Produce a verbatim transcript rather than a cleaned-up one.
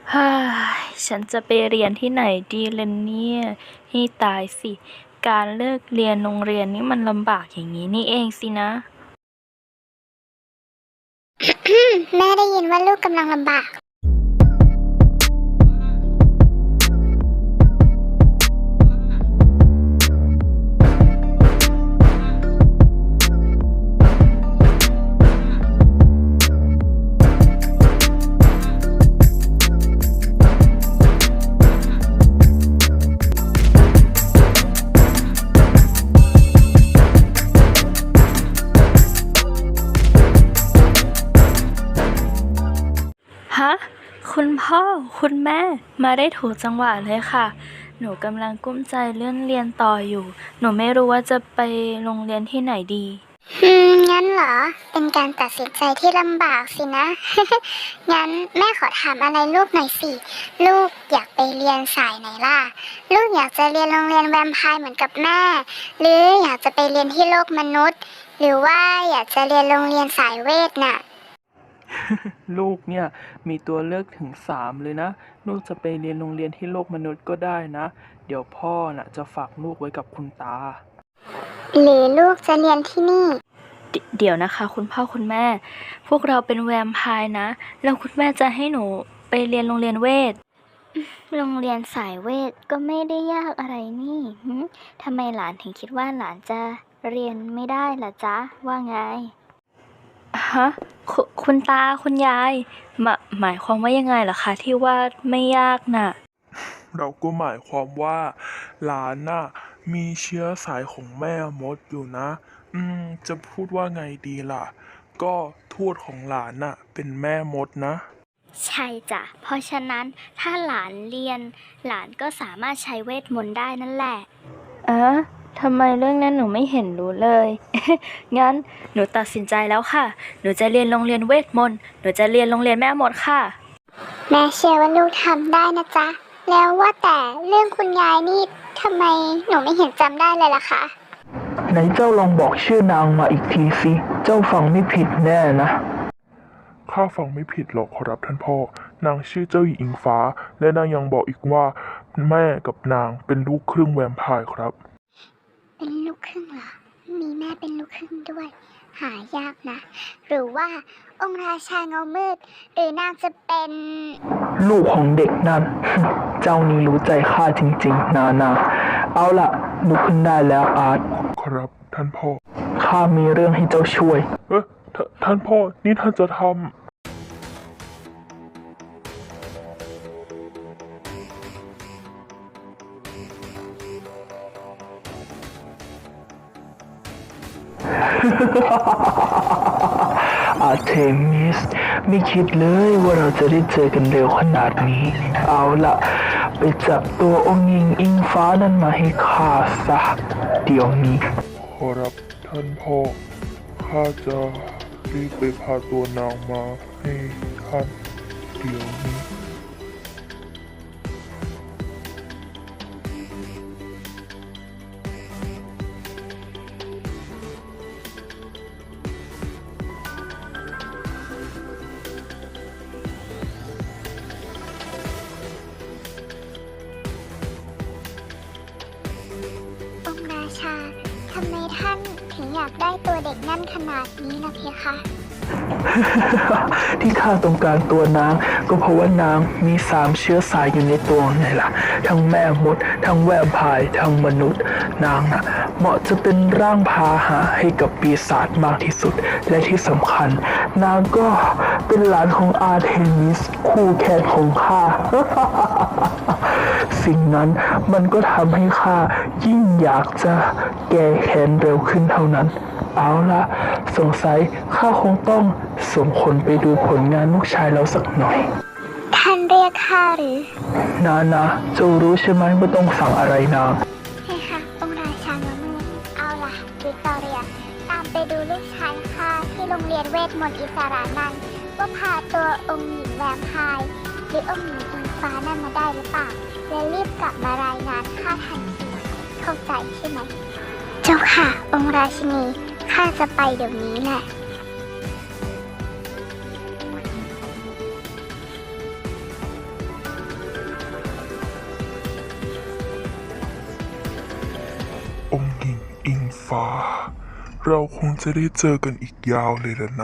เฮ้ยฉันจะไปเรียนที่ไหนดีล่ะเนี่ยให้ตายสิ การเลิกเรียนโรงเรียนนี่มันลำบากอย่างนี้นี่เองสินะแม่ได้ยินว่าลูกกำลังลำบากฮะ คุณพ่อ คุณแม่ มาได้ถูกจังหวะเลยค่ะ หนูกำลังกุ้มใจเรื่องเรียนต่ออยู่ หนูไม่รู้ว่าจะไปโรงเรียนที่ไหนดีอืม งั้นเหรอ เป็นการตัดสินใจที่ลำบากสินะ งั้นแม่ขอถามอะไรลูกหน่อยสิ ลูกอยากไปเรียนสายไหนล่ะ ลูกอยากจะเรียนโรงเรียนแวมไพร์เหมือนกับแม่ หรืออยากจะไปเรียนที่โลกมนุษย์ หรือว่าอยากจะเรียนโรงเรียนสายเวทน่ะลูกเนี่ยมีตัวเลือกถึงสามเลยนะ ลูกจะไปเรียนโรงเรียนที่โลกมนุษย์ก็ได้นะ เดี๋ยวพ่อน่ะจะฝากลูกไว้กับคุณตาหรือลูกจะเรียนที่นี่เดเดี๋ยวนะคะ คุณพ่อคุณแม่ พวกเราเป็นแวมไพร์นะ แล้วคุณแม่จะให้หนูไปเรียนโรงเรียนเวทโรงเรียนสายเวทก็ไม่ได้ยากอะไรนี่หึทำไมหลานถึงคิดว่าหลานจะเรียนไม่ได้ล่ะจ๊ะ ว่าไงฮะคุคุณตาคุณยายหมาหมายความว่ายังไงเหรอคะที่ว่าไม่ยากน่ะเราก็หมายความว่าหลานน่ะมีเชื้อสายของแม่มดอยู่นะ อืม จะพูดว่าไงดีล่ะ ก็ทวดของหลานน่ะเป็นแม่มดนะใช่จ้ะ เพราะฉะนั้นถ้าหลานเรียน หลานก็สามารถใช้เวทมนต์ได้นั่นแหละอะทำไมเรื่องนั้นหนูไม่เห็นรู้เลย งั้นหนูตัดสินใจแล้วค่ะ หนูจะเรียนโรงเรียนเวทมนต์ หนูจะเรียนโรงเรียนแม่มดค่ะแม่เชื่อว่าลูกทำได้นะจ๊ะ แล้วว่าแต่เรื่องคุณยายนี่ทำไมหนูไม่เห็นจำได้เลยล่ะคะไหนเจ้าลองบอกชื่อนางมาอีกทีสิ เจ้าฟังไม่ผิดแน่นะข้าฟังไม่ผิดหรอกขอรับท่านพ่อ นางชื่อเจ้าหญิงอิงฟ้า และนางยังบอกอีกว่า แม่กับนางเป็นลูกครึ่งแวมไพร์ครับเป็นลูกครึ่งเหรอ มีแม่เป็นลูกครึ่งด้วย หายากนะ หรือว่าองค์ราชาเงามืด หรือนางจะเป็นลูกของเด็กนั่น เจ้านี่รู้ใจข้าจริงๆ นานา เอาล่ะลุกขึ้นได้แล้วอาร์ตครับท่านพ่อข้ามีเรื่องให้เจ้าช่วยเอ๊ะทท่านพ่อ นี่ท่านจะทำอาร์เทมิสไม่คิดเลยว่าเราจะได้เจอกันเร็วขนาดนี้ เอาล่ะ ไปจับตัวองค์หญิงอิงฟ้านั่นมาให้ข้าซะเดี๋ยวนี้ขอรับท่านพ่อ ข้าจะรีบไปพาตัวนางมาให้ท่านเดี๋ยวนี้องค์ราชา ทำไมท่านถึงอยากได้ตัวเด็กนั่นขนาดนี้นะเพคะที่ข้าต้องการตัวนางก็เพราะว่านางมีสามเชื้อสายอยู่ในตัวไงล่ะ ทั้งแม่มด ทั้งแวมไพร์ทั้งมนุษย์ นางน่ะเหมาะจะเป็นร่างพาหะให้กับปีศาจมากที่สุด และที่สำคัญ นางก็เป็นหลานของอาร์เทมิสคู่แข่งของข้า สิ่งนั้นมันก็ทำให้ข้ายิ่งอยากจะแก้แค้นเร็วขึ้นเท่านั้น เอาละสงสัยข้าคงต้องส่งคนไปดูผลงานลูกชายเราสักหน่อยท่านเรียกข้าหรือนานะเจ้ารู้ใช่ไหมว่าต้องสั่งอะไรนางเพคะองค์ราชาเงามืด เอาล่ะวิกตอเรีย ตามไปดูลูกชายข้าที่โรงเรียนเวทมนต์อิสรานั้นว่าพาตัวองค์หญิงแวมไพร์หรือองค์หญิงอิงฟ้านั่นมาได้หรือเปล่า และรีบกลับมารายงานข้าทันทีเข้าใจใช่ไหม เจ้าค่ะ องค์ราชินี ข้าจะไปเดี๋ยวนี้แหละขเราคงจะได้เจอกันอีกยาวเลยล่ะนะ